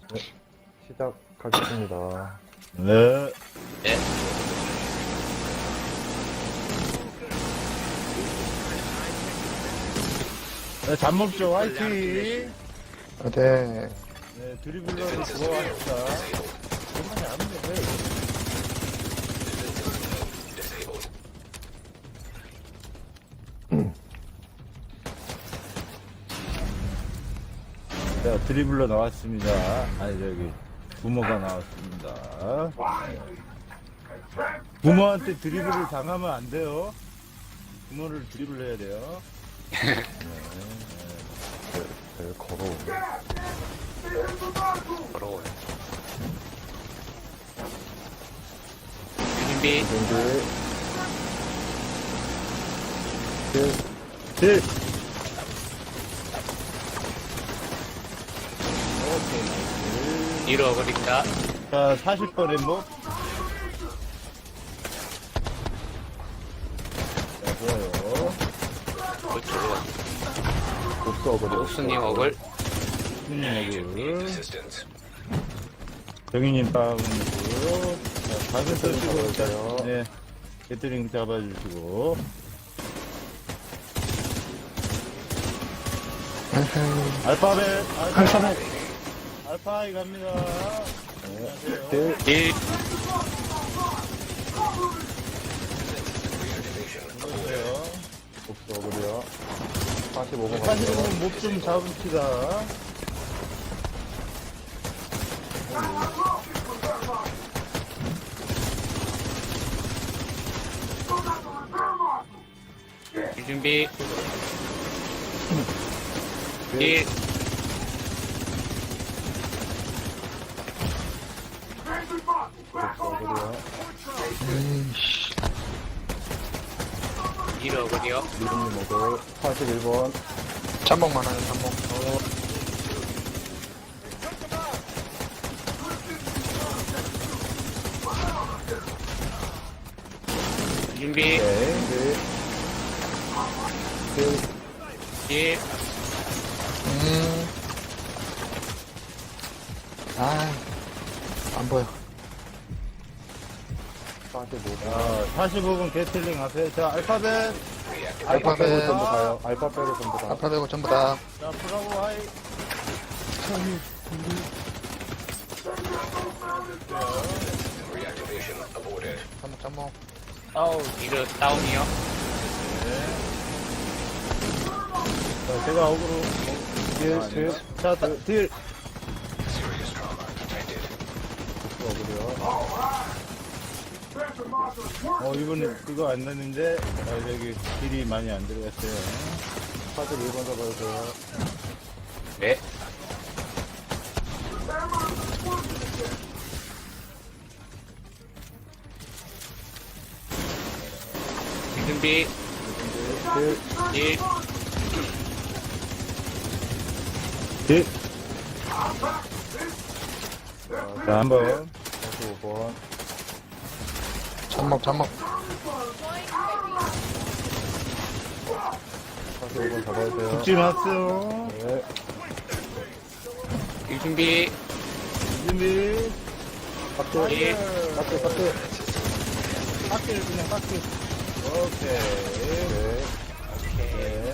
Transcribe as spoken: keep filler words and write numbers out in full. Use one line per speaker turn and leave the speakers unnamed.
네, 시작하겠습니다.
네.
네.
네, 잠 먹죠. 화이팅.
네.
네, 드리블러로 들어왔다. 그만이 안 돼. 자, 드리블러 나왔습니다. 아니, 저기, 부모가 나왔습니다. 부모한테 드리블을 당하면 안 돼요. 부모를 드리블 해야 돼요.
네, 네, 걸어오네.
더러워요. 준비.
준비.
딜!
뒤로 어그린다.
자, 사십 번 엠보. 자, 좋아요.
그렇죠.
복수 어그리.
옥수님 어글.
스님 어글. 정희님 다운이고요. 자, 가슴 써주고,
잡아주세요.
일단, 네. 배터링 잡아주시고. 알파벳, 알파벳. 알파이 갑니다. 안녕하세요.
딜.
딜.
안녕하세요.
복수 어그리요. 사십오 번
사실
갈게요.
은 목 좀 잡읍시다.
딜 준비. 딜.
복수 어그리요.
딜 어글이요.
미름님 어글. 사십일 번.
잠복만 하는 잠복.
준비.
네. 딜. 딜.
딜.
음. 아, 안 보여.
사십오 번.
자, 사십오 분 게틀링 하세요. 자, 알파벳.
알파 빼고
알파벳.
전부 다요. 알파 빼고 전부 다.
아파 되고 전부 다.
자, 브라보 하이.
잠복 잠복.
아우. 딜 다운이요.
자, 제가 어그로.
딜. 딜.
자, 다- 딜.
복수 어그리요.
어, 이번에 이거 안 났는데, 아, 저기, 딜이 많이 안 들어갔어요.
사십일 번 잡아주세요.
네. 딜 준비.
딜.
딜.
딜. 자, 한 번.
사십오 번.
잠복 잠복.
사십오 번 잡아주세요.
죽지 마세요.
네.
딜 준비.
준비.
박수.
딜.
박수. 박수.
깎기를 그냥 깎기. 오케이.
네.
네.